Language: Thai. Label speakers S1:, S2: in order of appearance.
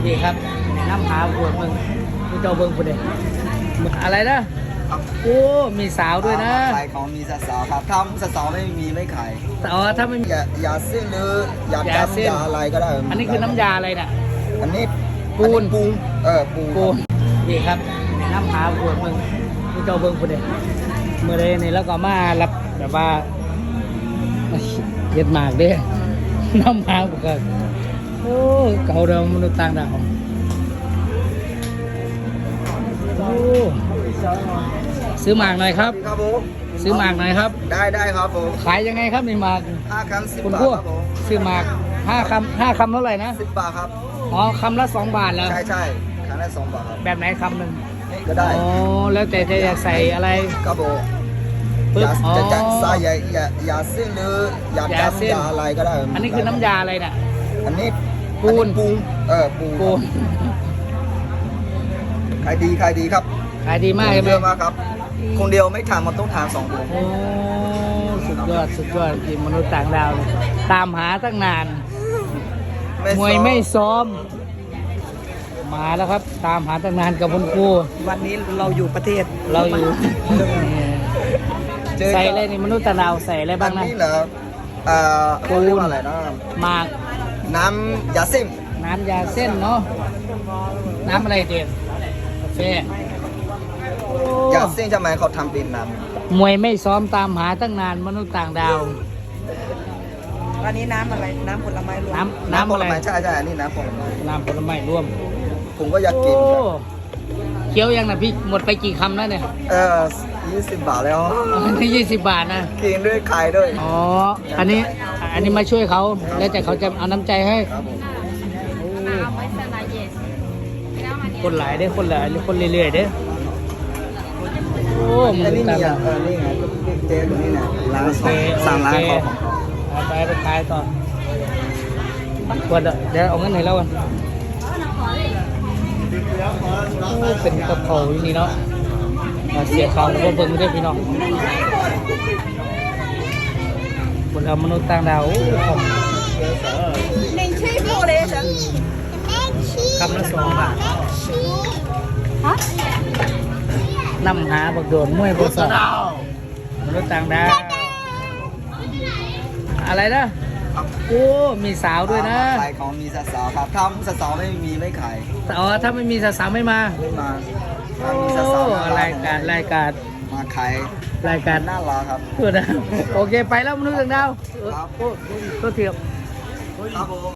S1: นี่ครับน้ำหาปวดมึงมึงเจ้าเบิ้งกูเด็อะไรนะโอ้มีสาวด้วยนะ
S2: ขายของมีสาวครับทำสาวไม่มีไม่ขาย
S1: อ๋อถ้าไม่มี
S2: ยาเส้นหรือยาดำยาอะไรก็ได้
S1: อันนี้คือน้ำยาอะไรน่ะ
S2: อันนี้
S1: ปูน
S2: ปูน
S1: นี่ครับน้ำหาปวดมึงมึงเจ้าเบิ้งกูเด็เมื่อไรนี่แล้วก็มารับแบบว่าเย็ดหมากเด้น้ำหาปวดโอ้เก่าเดิมมนุษย์ต่างดาวโอ้ซื้อหมากหน่อยครับ
S2: ครับผม
S1: ซื้อหมากหน่อยครับ
S2: ได้ครับผม
S1: ขายยังไงครับในหมาก
S2: 5 คำ 10
S1: คุณ
S2: บาท
S1: พวก
S2: ครับผม
S1: ซื้อหมาก5 คำเท่าไหร่นะ
S2: 10 บาทครับ
S1: อ๋อคำละ2 บาทแล้ว
S2: ใช่คำละ2 บาทครับ
S1: แบบไหนคำหนึ่ง
S2: ก็ได้
S1: อ๋อแล้วแต่จะอยากใส่อะไร
S2: ครับผมจะใส่ยาเส้นหรือยาดำยาอะไรก็ได้
S1: อันนี้คือน้ำยาอะไรน่ะ
S2: อันนี้
S1: ปูน
S2: ขายดีครับ
S1: ขายดีมากเลย
S2: เยอะมากครับคนเดียวไม่ทานมันต้องทาน2 คน
S1: โอ้สุดยอดทีมมนุษย์ต่างดาวตามหาตั้งนานมวยไม่ซ้อมมาแล้วครับตามหาตั้งนานกับคุณครู
S3: วันนี้เราอยู่ประเทศ
S1: เราอยู่ใส่อะไรนี่มนุษย์ต่างดาวใส่อะไรบ้างนะ
S2: นี่เหรอปูนอะไรนะ
S1: หมาก
S2: น้ำยาเส้น
S1: เนาะน้ำอะไรเด็ดกาแฟ
S2: ยาเส้นทำไมเขาทำเป็นน้
S1: ำมวยไม่ซ้อมตามหาตั้งนานมนุษย์ต่างดาว
S3: วันนี้น้ำอะไรน้ำผลไม้รวม
S1: น้ำผลไม้
S2: ใช่อันนี้น้ำผล
S1: ไม้รวม
S2: ผมก็อยากกิน
S1: เคี้ยวยังนะพี่หมดไปกี่คำแล้วเนี่ย
S2: 20 บาทแล้ว
S1: นี่20 บาทนะ
S2: กินด้วยไข่ด้วย
S1: อ๋ออันนี้มาช่วยเขาแล้วแต่เขาจะเอาน้ำใจให้คนหลายได้คนเรื่อยๆเด้โอ้มึง
S2: นี่ไงเจ๊ตรงนี้เนี่ยร้าน3 ร้านของ
S1: ไปขายต่อควรเดี๋ยวเอาเงินให้เรากันเป็นกระเพราอยู่นี่เนาะเสียเขาก็เบิ่งด้วยพี่น้องคนเรามนุษย์ต่างดาวคำละ2 บาทนำหาบักโดนมวยบักสองมนุษย์ต่างดาวอะไรนะโอ้มีสาวด้วยนะ
S2: ขายของมีสาวครับทำสาวไม่มีไม่ขาย
S1: อ๋อถ้าไม่มีสาวไม่มาโอ้รายการ
S2: มาขาย
S1: รายการ
S2: น่ารักครับ
S1: โอเคไปแล้วมนุษย์ต่างดาวก็เทียบ